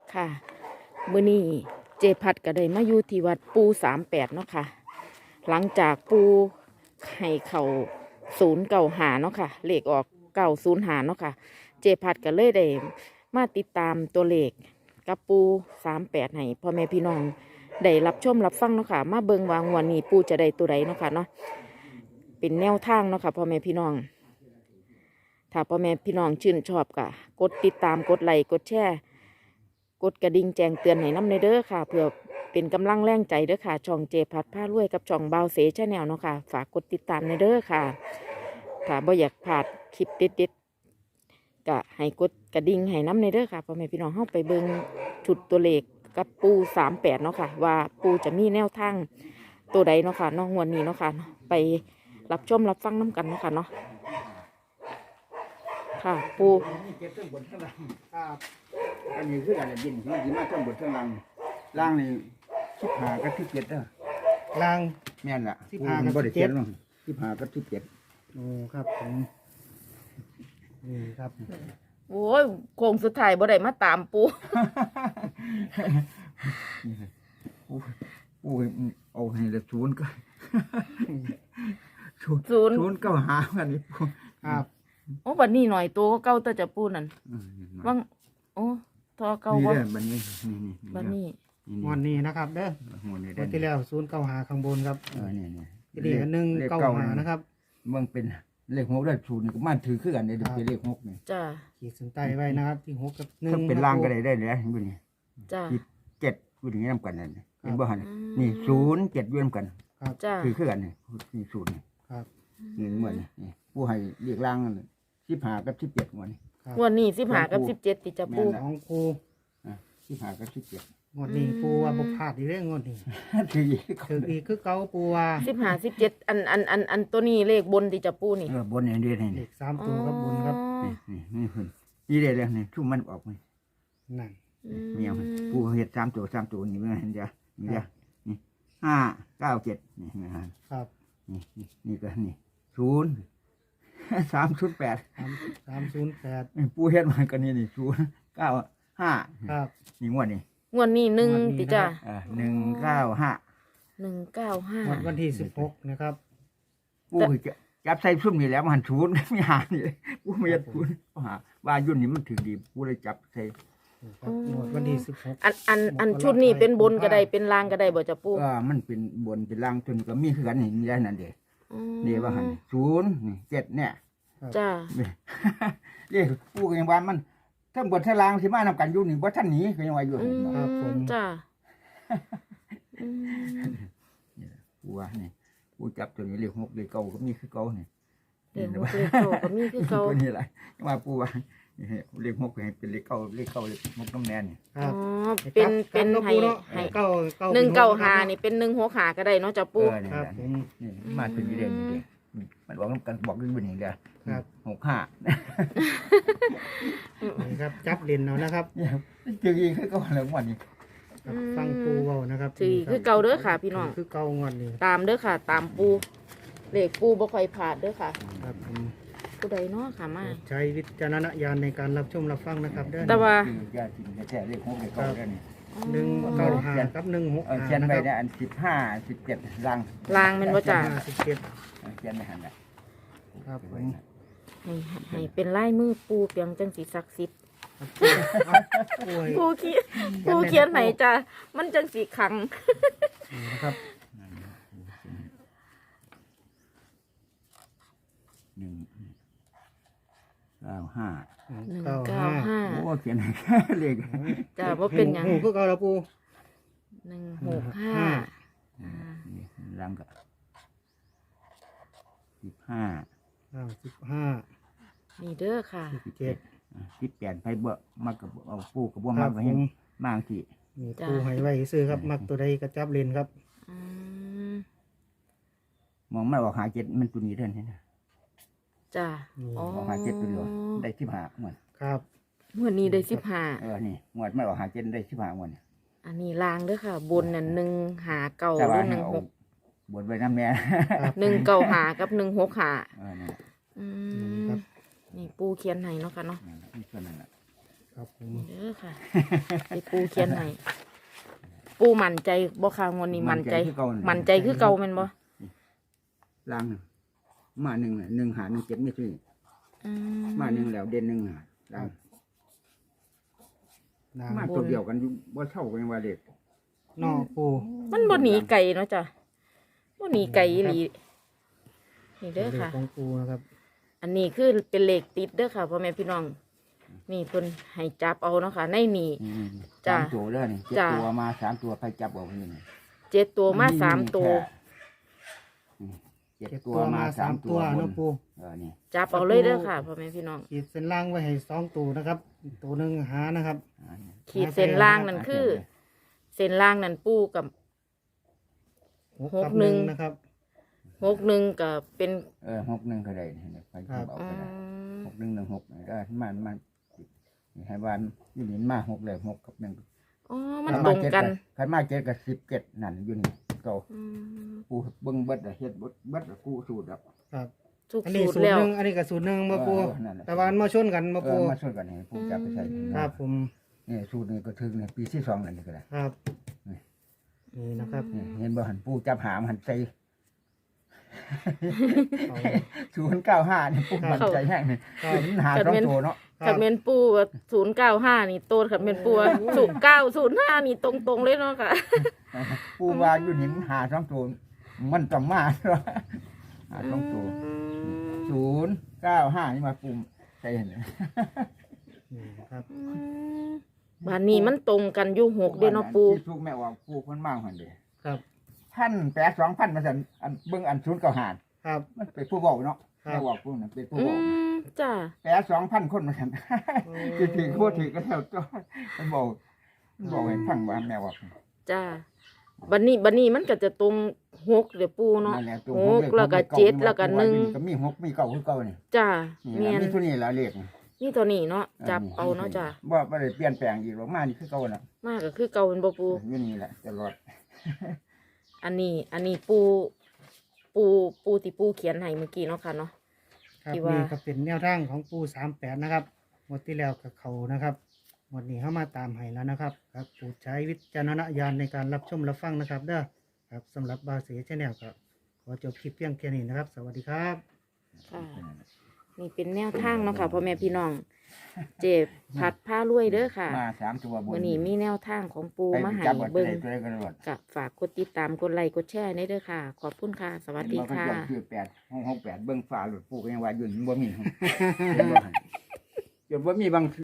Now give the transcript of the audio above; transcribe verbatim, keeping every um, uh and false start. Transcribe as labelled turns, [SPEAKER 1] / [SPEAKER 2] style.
[SPEAKER 1] ค่ะมื้อนี้เจพัดก็ได้มาอยู่ที่วัดปูสามแปดเนาะค่ะหลังจากปูให้เข่าศูนย์เก่าหาเนาะค่ะเลขออกเก่าศูนย์หาเนาะค่ะเจพัดก็เลยได้มาติดตามตัวเลขกับปูสามแปดให้พ่อแม่พี่น้องได้รับชมรับฟังเนาะค่ะมาเบิ่งวางวันนี้ปูจะได้ตัวใดเนาะค่ะเนาะเป็นแนวทางเนาะค่ะพ่อแม่พี่น้องถ้าพ่อแม่พี่น้องชื่นชอบก็กดติดตามกดไลค์กดแชร์กดกระดิ่งแจ้งเตือนให้น้ำในเด้อค่ะเพื่อเป็นกำลังแรงใจเด้อค่ะช่องเจพัดผ้ารวยกับช่องเบาเสชแนลเนาะค่ะฝากกดติดตามในเด้อค่ะถ้าบ่อยากพลาดคลิปเด็ดๆก็ให้กดกระดิ่งให้น้ำในเด้อค่ะพ่อแม่พี่น้องเข้าไปเบิ่งชุดตัวเลขกับปูสามแปดเนาะค่ะว่าปูจะมีแนวทางตัวใดเนาะค่ะนอกงวดนี้เนาะค่ะไปรับชมรับฟังน้ำกันเนาะค่ะเนาะค่ะปู
[SPEAKER 2] เก็บเครื่องบนเครื่องล่างครับอันนี้คืออะไรยินที่ยินมาเครื่องบนเครื่องล่างล่างนี่สิบห้ากับสิบเจ็ดเด้อ
[SPEAKER 3] ล่าง
[SPEAKER 2] แม่นล่ะ
[SPEAKER 3] สิบห้ากับ
[SPEAKER 2] บ่ได้เขียน
[SPEAKER 3] สิบเจ็ด
[SPEAKER 2] ลงสิบห้ากับสิบเจ็ด
[SPEAKER 3] โอ้ครับผมนี่ครับ
[SPEAKER 1] โอ้ยโค้งสุดท้ายบ่ได้มาตามปู
[SPEAKER 2] โอ้ยโอ้ยเอาให้ละศูนย์ก็ศูนย์
[SPEAKER 1] ศูนย์
[SPEAKER 2] ศูนย์เก้าหาอันนี้
[SPEAKER 3] ครับ
[SPEAKER 1] โอ้บัดนี้หน่อยตัวก็เก่าแต่จะปูนั่น
[SPEAKER 2] เออนี่
[SPEAKER 1] ว่างโอ้ทอเก่า
[SPEAKER 2] นี่
[SPEAKER 1] ว่า
[SPEAKER 2] เด้อบัดนี้นี่นี่
[SPEAKER 1] บัดนี้
[SPEAKER 3] งวดนี้นะครับเด้อ
[SPEAKER 2] หัวนี่
[SPEAKER 3] ง
[SPEAKER 2] เด้
[SPEAKER 3] ว
[SPEAKER 2] อ
[SPEAKER 3] ดที่แล้วศูนย์เก้าหาข้างบนครับ
[SPEAKER 2] เออนี่นี่
[SPEAKER 3] ทีนี้หนึ่งเก้าหานะครับ
[SPEAKER 2] มันเป็นเลขหกได้ศูนย์นี่ก็มาถือคือกันเด้อเป็นเลขหกนี่
[SPEAKER 1] จ้า
[SPEAKER 3] ขีดเส้นใต้ไว้นะครับ ที่หกกับหนึ่ง
[SPEAKER 2] ถ้าเป็นล่างก็ได้ได้เลยเห็นบ่นี่
[SPEAKER 1] จ้า
[SPEAKER 2] เจ็ดพูดอย่างนี้นำกันนั่นเห็นบ่หัน
[SPEAKER 1] อืม
[SPEAKER 2] นี่ศูนย์เจ็ดเวียนกัน
[SPEAKER 3] ครับ
[SPEAKER 1] จ้า
[SPEAKER 2] คือคือกันนี่นี่ศูนย์นี่
[SPEAKER 3] ครับ
[SPEAKER 2] นี่เหมือนนี่ผู้ให้เรียกล่างสิบห้ากับสิบเจ็ดวันนี้
[SPEAKER 3] ครับ
[SPEAKER 1] งวดนี้สิบห้ากับสิบเจ็ดติจะปู
[SPEAKER 2] แม่นละ
[SPEAKER 3] ของครู
[SPEAKER 2] สิบห้ากับสิบเจ็ด
[SPEAKER 3] งวดนี้ปูว่าบ่พลาดอีกเรื่องงวดนี้
[SPEAKER 2] ถือ
[SPEAKER 3] ถึงอีกคือเก่าปูว่า
[SPEAKER 1] สิบห้าสิบเจ็ดอันอันอันอันตัวนี้เลขบนติจะปูนี่
[SPEAKER 2] เออบนอย่างเดียวนี่
[SPEAKER 3] เล
[SPEAKER 2] นี่
[SPEAKER 3] ขสามตัวครับบนครับ
[SPEAKER 2] นี่นี่นี่เพิ่นนี่ได้แล้วนี่ชุ่มมันออกไหม
[SPEAKER 3] นั่น
[SPEAKER 2] เมียมันผู้เฮ็ดสามตัวสามตัวนี่มันเห็นจ้ะนี่จ้ะนี่ห้าเก้าเจ็ดนี่นะฮะ
[SPEAKER 3] ครับ
[SPEAKER 2] นี่นี่นี่ก็นี่ศูนย์สามศูนย์แปด
[SPEAKER 3] สามสามศูนย์แปด
[SPEAKER 2] ผู้เฮ็ดมันก็นี่นี่ศูนย์เก้าห้า
[SPEAKER 3] ครับ
[SPEAKER 2] นี่งวดนี่
[SPEAKER 1] งวดนี้หนึ่งติจ้า
[SPEAKER 2] อ่าหนึ่งเก้าห้า
[SPEAKER 1] หนึ่งเก้าห้าง
[SPEAKER 3] วดวันที่สิบหกนะครับ
[SPEAKER 2] ผู้จะจับใส่ซุ่มนี่แหล้วมันศูนย์ ไม่หานี่ผู้ไม่ยัดศูนย์เขาหาว่ายุ่นนี่มันถึงดีผู้เลยจับใส่
[SPEAKER 3] นี่ครับงวดวันที่สิบหก
[SPEAKER 1] อันอันอันชุดนี้เป็นบนก็ได้เป็นล่างก็ได้บ่จะปู
[SPEAKER 2] เออมันเป็นบนเป็นล่างจนก็มีคือกันนี่นี่ได้นั่นเด้
[SPEAKER 1] อืม
[SPEAKER 2] นี่ว่าหันศูนย์นี่เจ็ดเนี่ย
[SPEAKER 1] จ้า
[SPEAKER 2] นี่ เรียกผู้ก็ยังว่ามันทั้งบนทั้งล่างสิมานำกันอยู่นี่บ่ทันหนีก็ยังว่าอยู่
[SPEAKER 1] อื
[SPEAKER 2] หั่น
[SPEAKER 1] มจ้าอืม
[SPEAKER 2] ผู้ว่านี่ผู้จับตัวนี้เรียกหกเรียกเก่าก็มีคือเก่านี่
[SPEAKER 1] เด็กหกเลขเก่าก็มีคือเก่า
[SPEAKER 2] ตัวนี้แหละยังว่าผู้ว่านี่เรียกหกให้เป็นเรียกเก่าเรียกเก่าเรียกหกน้ำแน่นี่
[SPEAKER 3] ค
[SPEAKER 1] อ๋
[SPEAKER 3] รั
[SPEAKER 1] อบ เป็นเป็น
[SPEAKER 3] ครับ
[SPEAKER 1] ให้
[SPEAKER 3] ปูเนาะ
[SPEAKER 1] ให้
[SPEAKER 3] เก้าเก้า
[SPEAKER 1] หนึ่งเก้าหา
[SPEAKER 3] ป็
[SPEAKER 1] นี่เป็นหนึ่งหัวขาก็ได้เนาะจะ
[SPEAKER 2] เอ
[SPEAKER 1] ปู
[SPEAKER 2] อนี่
[SPEAKER 3] ครับ
[SPEAKER 2] แหละ
[SPEAKER 3] ผม
[SPEAKER 2] นี่มาเป็นยี่เดือนนี่เด้มันบอกกันบอกกันเป็นอย่างเดียว
[SPEAKER 3] ครับ
[SPEAKER 2] หกห้า
[SPEAKER 3] นี่ครับจับเล่นเอานะครับ
[SPEAKER 2] เนี่ยเจออีกคือก็แล้ววันนี้
[SPEAKER 3] ครับฟังปูเว้านะครับ
[SPEAKER 1] ถือ
[SPEAKER 3] นี่รับ
[SPEAKER 1] คือเก่าเด้อค่ะพี่น้อง
[SPEAKER 3] คือเก่างวดนี้
[SPEAKER 1] ตามเด้อค่ะ ตามปูเลขปูบ่ค่อยผ่านเด้อค่ะ
[SPEAKER 3] ครับผม
[SPEAKER 1] ผู้ใดเนาะค่ะมา
[SPEAKER 3] ใช้วิจารณญาณในการรับชมรับฟังนะครับเด้อ
[SPEAKER 1] แต่ว่า
[SPEAKER 2] คือญาติแท้ๆเรียกหกเรียกเก่าแล้วนี่
[SPEAKER 3] หนึ่งเก้าห้ากับหนึ่งหก
[SPEAKER 2] เออ
[SPEAKER 3] ห้า
[SPEAKER 2] เขียน
[SPEAKER 3] นะ
[SPEAKER 2] ไว้
[SPEAKER 3] ครับ
[SPEAKER 2] เนี่ยอันสิบห้าสิบเจ็ดลัง
[SPEAKER 1] ลางแมันบ่จ้า
[SPEAKER 3] ห้าสิบเจ็ด
[SPEAKER 2] เออเขียนไม่หันละ
[SPEAKER 3] ครับผม
[SPEAKER 1] ให้ให้เป็นลายมือปูเปียงจังสีศักดิ์สิทธิ์
[SPEAKER 3] ครับปูให้
[SPEAKER 1] ปูเขียนปูเขียนไหนจ้ามันจังสีขัง
[SPEAKER 3] นี่นะครับ
[SPEAKER 2] หนึ่งเก้าห้า
[SPEAKER 1] หนึ่ง
[SPEAKER 3] เก้า
[SPEAKER 1] เก้า
[SPEAKER 3] ห้า
[SPEAKER 1] ห้า
[SPEAKER 2] โอ้เขียนให้เลข
[SPEAKER 1] จ้าว่าเป็นหยัง
[SPEAKER 3] หูคือเก่าแล้วปู
[SPEAKER 1] หนึ่งหกห้า
[SPEAKER 2] นี่ลังก็สิบห้า
[SPEAKER 3] อ่าสิบห้า
[SPEAKER 1] นี่เด้อค่ะ
[SPEAKER 3] สิบเจ็ด
[SPEAKER 2] สิบแปดไปเบ่มากับเอาปูกับบ่
[SPEAKER 3] ค
[SPEAKER 2] มา
[SPEAKER 3] รับ
[SPEAKER 2] ก็
[SPEAKER 3] ผ
[SPEAKER 2] เห็น
[SPEAKER 3] ม
[SPEAKER 2] มางที่
[SPEAKER 3] นี่
[SPEAKER 1] จ้ะ
[SPEAKER 3] ปูให้ไว้ซื้อครับ มักตัวใดกระจับเล่นครับ
[SPEAKER 1] อืม
[SPEAKER 2] มองไม่ออกหาเจ็ดมันตัวนี้เท่านั้นนะ
[SPEAKER 1] จ้า
[SPEAKER 3] นี่
[SPEAKER 1] อ๋อ
[SPEAKER 2] ออกหาเจ็ดตัวเดียวได้สิบห้าหมด
[SPEAKER 3] ครับ
[SPEAKER 1] เมื่อนี้ได้สิบห้า
[SPEAKER 2] เออนี่หมดไม่ออกหาเจ็ดได้สิบห้าหมด
[SPEAKER 1] อันนี้ลางเด้อค่ะ บนนั่นหนึ่งหาเก่า
[SPEAKER 2] แต่
[SPEAKER 1] หรื
[SPEAKER 2] ว่า
[SPEAKER 1] อห
[SPEAKER 2] ให้
[SPEAKER 1] นึ่ง
[SPEAKER 2] เอา
[SPEAKER 1] หก
[SPEAKER 2] บทไว้น้ำแม่
[SPEAKER 3] ครับ
[SPEAKER 1] หนึ่งเก่าหากับหนึ่งหกหา
[SPEAKER 2] เออนี่นแหละ
[SPEAKER 1] อื
[SPEAKER 3] นี่
[SPEAKER 1] ม
[SPEAKER 3] ครับ
[SPEAKER 1] นี่ปูเขียนให้เนาะค่ะเนาะ
[SPEAKER 2] นั่นแหละนี่ส่วนนั้นแหละ
[SPEAKER 3] คครับผม
[SPEAKER 1] เด้อค่ะที่ปูเขียนให้ปูมั่นใจบ่ค่ะงวดนี้มั่นใจ
[SPEAKER 2] คือเก่านั่น
[SPEAKER 1] มั่นใจคือเก่าแม่นบ่
[SPEAKER 2] ล่างน่ะมาหนึ่งน่ะหนึ่งหาหนึ่งเจ็ดไม่ซื้อ
[SPEAKER 1] อื
[SPEAKER 2] มาหนึ่งแล้วเด่นหนึ่งหาล่าง
[SPEAKER 3] นาง
[SPEAKER 2] มาตัวเดียวกันอยู่บ่เท่ากันว่าเด็ก
[SPEAKER 3] นอปู
[SPEAKER 1] มันบ่หนีไกลเนาะจ้ะบ่หนีไกลอีหลีนี่เด้อค่ะ
[SPEAKER 3] ของปูนะครับ
[SPEAKER 1] อันนี้คือเป็นเลขติดเด้อค่ะพ่อแม่พี่น้อง นี่เพิ่นให้จับเอาเนาะค่ะ ในนี่
[SPEAKER 2] อืม
[SPEAKER 1] จ้ะ
[SPEAKER 2] สามตัวเลยนี่เจ็ด
[SPEAKER 1] จ้ะ
[SPEAKER 2] ตัวมาสามตัวใครจับออกนี่นี่
[SPEAKER 1] เจ็ดตัวมาสามตัว
[SPEAKER 2] อืมเจ็ด
[SPEAKER 3] เจ็ด
[SPEAKER 2] ตั
[SPEAKER 3] ตัว ว
[SPEAKER 2] มา
[SPEAKER 3] มา
[SPEAKER 2] สา
[SPEAKER 3] สาม ม
[SPEAKER 2] ตั
[SPEAKER 3] ตัว ว
[SPEAKER 2] บ
[SPEAKER 3] เนาะ
[SPEAKER 2] น
[SPEAKER 3] ปู
[SPEAKER 2] เออนี่
[SPEAKER 1] จับเอาเลยเด้อค่ะพ่อแม่พี่น้อง
[SPEAKER 3] ขีดเส้นล่างไว้ให้สองตัวนะครับ ตัวหนึ่งหานะครับ
[SPEAKER 2] อ่านี่
[SPEAKER 1] ขีดเส้นล่างนั่นคือ เส้นล่างนั่นปูกับ
[SPEAKER 3] หก
[SPEAKER 1] หก
[SPEAKER 3] กับ
[SPEAKER 1] ห
[SPEAKER 3] ห
[SPEAKER 1] นึ่
[SPEAKER 3] นึ่
[SPEAKER 1] ง
[SPEAKER 3] งนะครับ
[SPEAKER 1] หกหนึ่งกับเป็น
[SPEAKER 2] เออหกหนึ่งก็ได้นี่ใคร
[SPEAKER 3] ครั
[SPEAKER 2] จับบ ออก
[SPEAKER 1] อื
[SPEAKER 2] ก็ได้
[SPEAKER 1] ม
[SPEAKER 2] หกหนึ่งหนึ่งหกนี่ได้มันมันนี่ให้บ้านอยู่นี่มาหกเลยหกกับหนึ่ง
[SPEAKER 1] อ๋อมันตรงกัน
[SPEAKER 2] ใครมาเจ็ดกับสิบเจ็ดนั่นอยู่นี่เก่า
[SPEAKER 1] อืม
[SPEAKER 2] กูเบิ้งเบิดอะเฮ็ดเบิดเบิดอะกูสูตรอ่ะ
[SPEAKER 3] ครับ
[SPEAKER 1] ทุก
[SPEAKER 3] อันนี้
[SPEAKER 1] สูตร
[SPEAKER 3] สูตร
[SPEAKER 1] แล้ว
[SPEAKER 3] หนึ่งอันนี้ก็สูตรหนึ่งมาปู
[SPEAKER 2] เออนั่นแหละ
[SPEAKER 3] แต่ว่ามันมาชนกันมา
[SPEAKER 2] เอ
[SPEAKER 3] ปู
[SPEAKER 2] อมาช่วยกันให้ผู้จับไปใส่
[SPEAKER 3] ครับผม
[SPEAKER 2] นี่สูตรนี้ก็ถึงนี่ปีที่สองแล้วนี่ก็ได้
[SPEAKER 3] ครับนี่นะครับ
[SPEAKER 2] นี่เห็นบ่หันผู้จับหามหันใส่
[SPEAKER 3] เอา
[SPEAKER 2] ศูนย์เก้าห้านี่ผู้มันใจแห้งนี่
[SPEAKER 3] ครับ
[SPEAKER 2] มันหาสองตัวเนาะ
[SPEAKER 1] ขัดเมนปูศูนย์เก้าห้านี่โตขัดเมนปูศูนย์เก้าศูนย์ห้านี่ตรงตรงๆเลยเนาะค่ะ
[SPEAKER 2] ผู้ว่าอยู่นี่มันหาสองตัวมันต้องมาเนาะหาสองตัวศูนย์เก้าห้านี่มาปุ่มใส่เห็นไหม
[SPEAKER 3] นี่นะครับ
[SPEAKER 1] อืมบ้านนี้มันตรงกันอยู่หกเด้อเนาะปู
[SPEAKER 2] ที่สุกแม่ออกปูคนมากหันเด้
[SPEAKER 3] ครับ
[SPEAKER 2] พันแปดสองพันมาสั่นอันเบิ่งอันศูนย์เก้าห้า
[SPEAKER 3] ครับ
[SPEAKER 2] มันเป็นผู้บอกเนาะ
[SPEAKER 3] ครับ
[SPEAKER 2] แม่บอกผู้นั้นเป็นผู้
[SPEAKER 1] อื
[SPEAKER 2] บอก
[SPEAKER 1] มจ้า
[SPEAKER 2] แปดสองพันคนมาสั่นถือถือโคตรถือก็แล้วจ้อยมันบอกมันบอกให้ฟังว่าแม่บอก
[SPEAKER 1] จ้าบันนี้บันนี้มันก็จะตรงหกเดี๋ยวปูเนาะ
[SPEAKER 2] นั่นแหละตัว
[SPEAKER 1] ห
[SPEAKER 2] ผม
[SPEAKER 1] ก
[SPEAKER 2] เลข
[SPEAKER 1] แล้วก็
[SPEAKER 2] ผมลข
[SPEAKER 1] เจ็ดแล้วก็หนึ่ง
[SPEAKER 2] ก็มีหกมีเก้าคือเก้านี่
[SPEAKER 1] จ้า
[SPEAKER 2] นี่
[SPEAKER 1] เมีย
[SPEAKER 2] ล่ะ
[SPEAKER 1] น
[SPEAKER 2] มีตัวนี้ละเลข
[SPEAKER 1] นี่ตัวนี้เนาะจับเอาเนาะจ้า
[SPEAKER 2] บ่บ่ได้เปลี่ยนแปลงอีกหรอกมานี่คือเก่าน่ะ
[SPEAKER 1] มากก็คือเก่าเป็นบ่ปู
[SPEAKER 2] อยู่นี่แหละตลอด
[SPEAKER 1] อันนี้ อันนี้ปู ปูปูที่ปูเขียนให้เมื่อกี้เนาะค่ะเนาะ
[SPEAKER 3] ครับ
[SPEAKER 1] ที่ว่านี่
[SPEAKER 3] นี่ก็เป็นแนวทางของปูสามแปดนะครับหมดที่แล้วกับเขานะครับหมดนี้เข้ามาตามให้แล้วนะครับครับโปรดใช้วิจารณญาณในการรับชมรับฟังนะครับเด้อครับสำหรับบาเสียชแนลครับขอจบคลิปเพียงแค่นี้นะครับ สวัสดีครับ
[SPEAKER 1] ค่ะ นี่เป็นแนวทางเนาะค่ะพ่อแม่พี่น้อง เจ็บผัดผ้ารวยเด้อค่ะ
[SPEAKER 2] มาสามตัวบน
[SPEAKER 1] วันนี้มีแนวทางของปู
[SPEAKER 2] ไป
[SPEAKER 1] มาให้
[SPEAKER 2] จับไว้
[SPEAKER 1] เบิ่ง
[SPEAKER 2] ตัวใดตัวใดก็รอด
[SPEAKER 1] ก็ฝากกดติดตามกดไลค์กดแชร์ในเด้อค่ะ ขอบคุณค่ะ สวัสดี
[SPEAKER 2] เห็นบ่
[SPEAKER 1] ค่ะ
[SPEAKER 2] เพิ่นจดชื่อแปดห้องห้องแปดเบิ่งฟ้าหลุดปูก็ยังว่าอยู่นี่บ่มีเห็นบ่หั่นจนบ่มีบาง